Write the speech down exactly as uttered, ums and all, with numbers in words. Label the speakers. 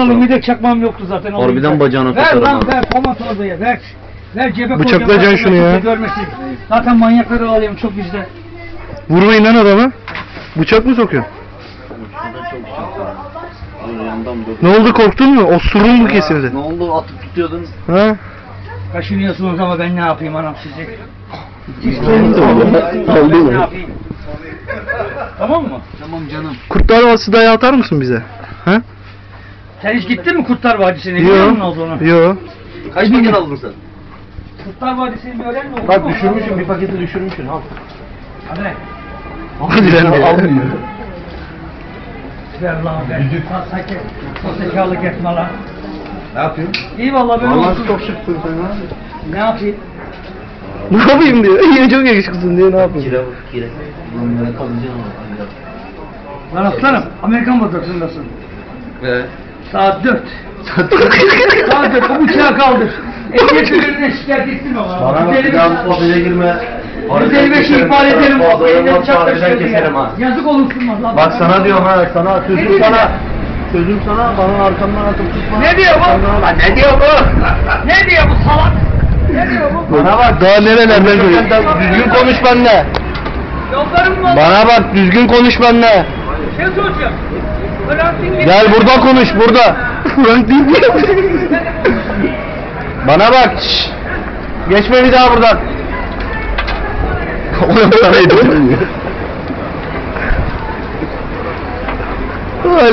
Speaker 1: alayım, bir de çakmam yoktu zaten.
Speaker 2: Harbiden bacağına
Speaker 1: ver
Speaker 2: takarım
Speaker 1: lan
Speaker 2: abi.
Speaker 1: ver Polat oraya ver. Ver cebe
Speaker 3: Bıçaklayacaksın şunu ya.
Speaker 1: Görmesin. Zaten manyakları alayım çok bizde.
Speaker 3: Vurmayın lan adamı. Bıçak mı sokuyorsun? Ne oldu, korktun mu? Osurun mu kesildi?
Speaker 2: Ne oldu, atıp tutuyordun?
Speaker 3: Ha?
Speaker 1: Kaşınıyorsunuz ama ben ne yapayım anam sizi?
Speaker 3: Oldu mu?
Speaker 1: Ne yapayım? Tamam mı?
Speaker 2: Tamam canım.
Speaker 3: Kurtlar Vadisi dayağı atar mısın bize? Ha?
Speaker 1: Sen hiç gittin mi Kurtlar Vadisi'ne? Biliyor musun olduğunu?
Speaker 3: Yo.
Speaker 2: Kaç paket aldın sen?
Speaker 1: Kurtlar Vadisi'ni bir öğren mi?
Speaker 4: Bak düşürmüşüm, bir paketi düşürmüşsün. Al.
Speaker 1: Hadi lan.
Speaker 3: Hadi lan.
Speaker 4: Almıyor.
Speaker 1: Ver lan ver. Sakin. Sahtekarlık etme lan.
Speaker 4: Ne yapıyorsun?
Speaker 1: İyi vallahi böyle
Speaker 4: Vallahi
Speaker 1: olsun.
Speaker 4: çok şıksın sen ha.
Speaker 1: Ne yapayım?
Speaker 3: Ne yapayım diyor. Yine çok yakışıklısın diyor, ne yapayım?
Speaker 2: Kire bak, kire. Lan ben kalacağım ama.
Speaker 1: Lan aslanım, Amerikan vatandaşındasın.
Speaker 2: Ve?
Speaker 1: Saat dört. Saat dört, bu bıçağı kaldır. Ehliyet müdürüne şikayet ettirme bana.
Speaker 4: Bana bak, bir daha bu odaya girme.
Speaker 1: yüz elli beşi ihbar ederim. Bak, eline bıçak
Speaker 4: Harbiden
Speaker 1: taşıyor diye.
Speaker 4: keserim ha.
Speaker 1: Yazık olursun lan.
Speaker 4: Bak sana diyorum ha, sana
Speaker 1: Ne
Speaker 4: sözüm
Speaker 1: diyor
Speaker 4: sana.
Speaker 1: ya?
Speaker 4: Sözüm sana, bana arkamdan atıp tutma.
Speaker 1: Ne diyor bu?
Speaker 4: Arkamdan- Lan ne diyor bu?
Speaker 1: Ne diyor bu salak? Ne diyor bu?
Speaker 4: Bana bak.
Speaker 3: Daha nerelerden görüyorsun?
Speaker 4: Düzgün konuş benimle.
Speaker 1: Yollarım mı?
Speaker 3: Bana bak, düzgün konuş benimle.
Speaker 1: Şey soracağım. Frank değil mi?
Speaker 3: Gel burada konuş, burada. Frank değil mi? Bana bak. Şşş. Geçme bir daha buradan. Ona parayı